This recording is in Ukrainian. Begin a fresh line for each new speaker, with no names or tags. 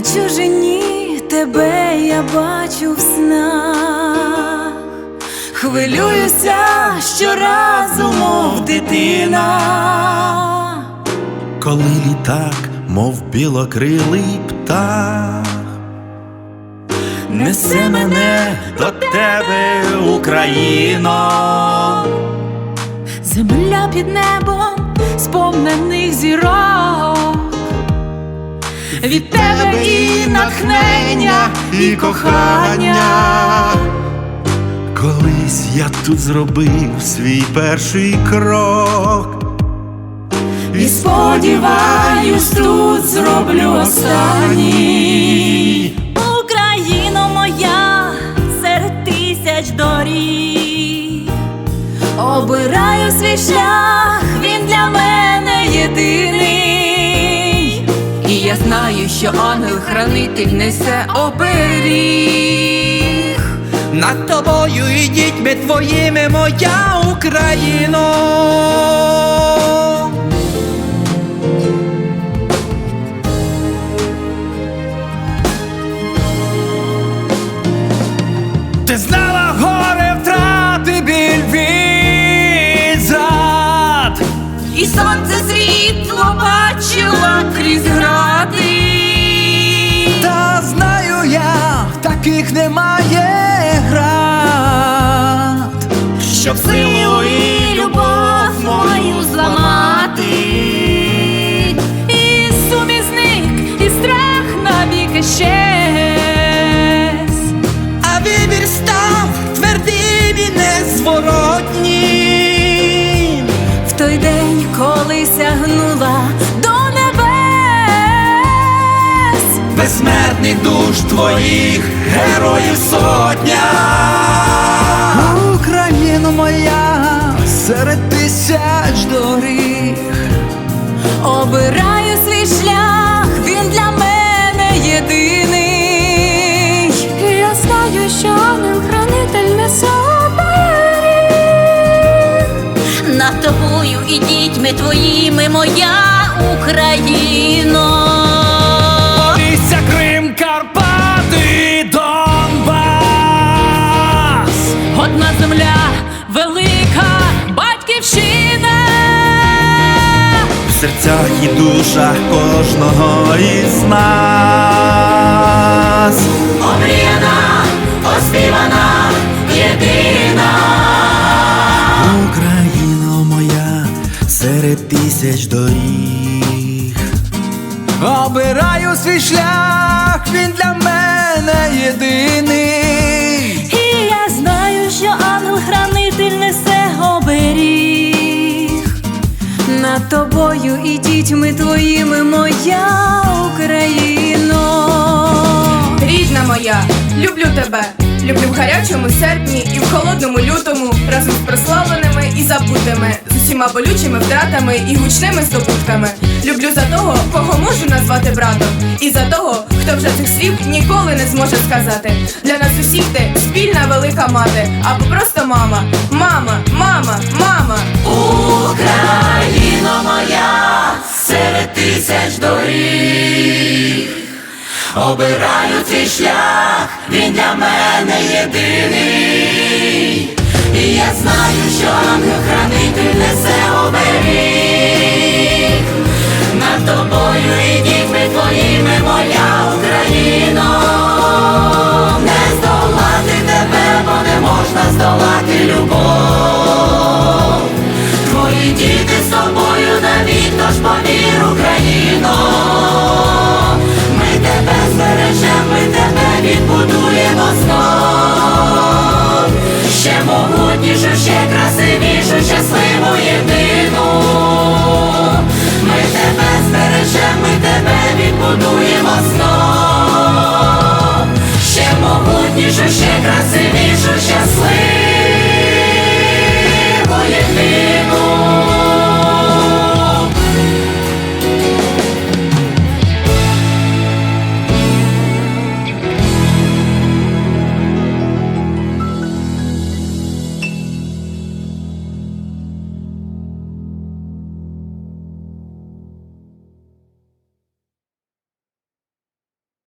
На чужині тебе я бачу в снах, хвилююся щоразу, мов дитина.
Коли літак, мов білокрилий птах, несе мене до тебе, Україно.
Земля під небом сповнених зірок, від тебе і натхнення, і кохання.
Колись я тут зробив свій перший крок,
І сподіваюсь, тут зроблю останній. Україно моя, серед тисяч доріг, обираю свій шлях, він для мене єдиний.
І я знаю, що ангел-хранитель несе оберіг.
Над тобою і дітьми твоїми, моя Україно. Ти знала горе втрати, біль від зрад,
І сонце світло бачила крізь гради.
та знаю я, таких немає град,
Щоб силу і любов мою зламати, і сумізник, і страх навіки щез.
а вибір став твердим і незворотнім.
В той день, коли сягнула до небес,
безсмертний душ твоїх героїв сотня.
Україно моя, серед тисяч доріг,
обираю свій шлях, він для мене єдиний. І я знаю, що ангел-хранитель несе оберіг. Над тобою і дітьми твоїми, моя Україно.
Полісся, Крим, Карпати, Донбас.
Одна земля, велика батьківщина.
В серцях і душах кожного із нас.
Омріяна, оспівана, єдина.
Україно моя, серед тисяч доріг,
Обираю свій шлях, він для мене єдиний.
І я знаю, що ангел-хранитель несе оберіг. Над тобою і дітьми твоїми, моя Україно.
Рідна моя, люблю тебе. Люблю в гарячому серпні і в холодному лютому, разом з прославленими і забутими, з усіма болючими втратами і гучними здобутками. Люблю за того, кого можу назвати братом, і за того, хто вже цих слів ніколи не зможе сказати. Для нас усіх ти спільна велика мати, або просто мама. Мама, мама, мама.
Україно моя, серед тисяч доріг, обираю твій шлях, він для мене єдиний. І я знаю, що ангел-хранитель несе оберіг. Над тобою і дітьми твоїми, моя